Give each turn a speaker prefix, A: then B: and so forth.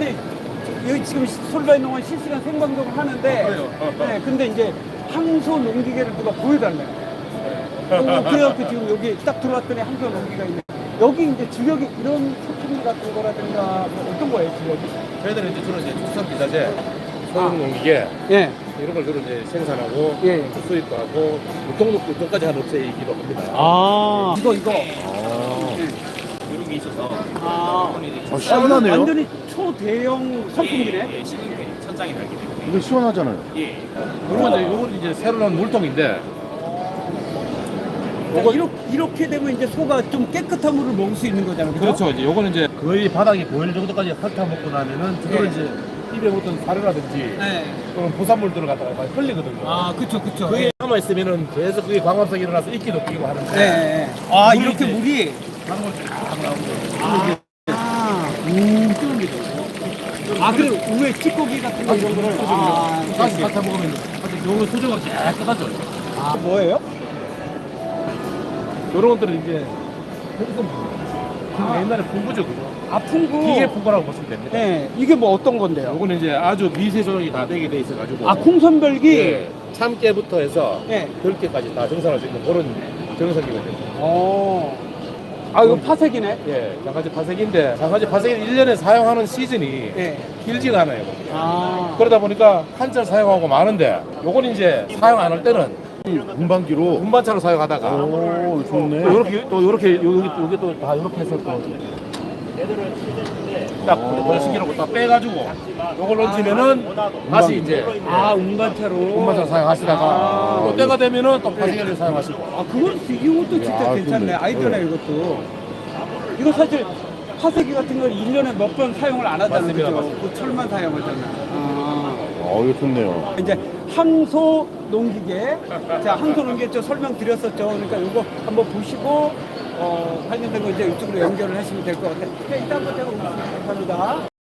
A: 아니 여기 지금 솔바이농원 실시간 생방송을 하는데 네, 근데 이제 항소 농기계를 누가 보여달래요. 그래갖고 지금 여기 딱 들어왔더니 항소 농기가 있네. 여기 이제 주력이 이런 소품들 같은 거라든가 뭐 어떤 거예요 주력이?
B: 저희들은 이제 주로 이제 축산 기자재, 소형 농기계
A: 예.
B: 이런 걸 주로 이제 생산하고
A: 예.
B: 수입도 하고 유통까지 하는 업체이기도 합니다.
A: 아 이거
B: 이런 게 있어서
C: 시원하네요.
A: 완전히 초대형 선풍기네.
B: 예, 시공이 천장이 달기 때문에
C: 이거 시원하잖아요.
B: 예. 요건 이제 새로 나온 물통인데
A: 그러니까 이렇게 되면 이제 소가 좀 깨끗한 물을 먹을 수 있는 거잖아요. 그죠?
B: 그렇죠. 이제 요거는 이제 거의 바닥이 보일 정도까지 핥아 먹고 나면은 그거를 이제 입에 묻던 사료라든지
A: 네.
B: 또는 부산물들을 갖다가 많이 흘리거든요.
A: 아 그쵸.
B: 그게 남아 있으면은 계속 그게 광합성이 일어나서 이끼도 끼고 하는데
A: 네. 아
B: 물이
A: 이렇게
B: 이제
A: 물이.
B: 작은 걸쫙 나오고
A: 뜨는 게 좋고. 아 그리고 위에 찌꺼기 같은 거 이런 거를.
B: 다시 핥아 먹으면 요거 수조가 깨끗하죠.
A: 아 뭐예요?
B: 요런 것들은 이제 옛날에 풍부죠, 그거.
A: 아 풍구.
B: 기계 풍부라고 보시면 됩니다.
A: 네. 이게 뭐 어떤 건데요?
B: 요거는 이제 아주 미세 조정이 다 되게 돼 있어가지고.
A: 아 콩선별기.
B: 예, 참깨부터 해서
A: 네.
B: 들깨까지 다 정산할 수 있는 그런 정산기거든요.
A: 아 이거 파색이네.
B: 예, 장가지 파색인데 장가지 파색은 1년에 사용하는 시즌이
A: 네.
B: 길지가 않아요.
A: 아.
B: 그러다 보니까 한철 사용하고 많은데 요건 이제 사용 안 할 때는
C: 운반기로.
B: 운반차로 사용하다가
C: 오, 좋네.
B: 또 요렇게 여기 또 다 이렇게 해서 또딱 번식이라고 딱 빼가지고 요걸 얹으면은 다시 이제
A: 아 운반차로.
B: 운반차 사용하시다가 또 때가 되면은 또 파생기를 사용하시고.
A: 아 그건 이것도 진짜
C: 야,
A: 괜찮네.
C: 근데,
A: 아이디어네 이것도. 이거 사실 파쇄기 같은 걸 1년에 몇 번 사용을 안 하잖아요.
B: 맞습니다,
A: 그죠?
B: 맞습니다.
A: 그 철만 사용하잖아.
C: 이거 좋네요.
A: 이제 항소 농기계. 자, 항소 농기계 좀 설명드렸었죠. 그러니까 이거 한번 보시고 관련된 거 이제 이쪽으로 연결을 하시면 될 것 같아요. 네, 일단 한번 제가 오겠습니다. 감사합니다.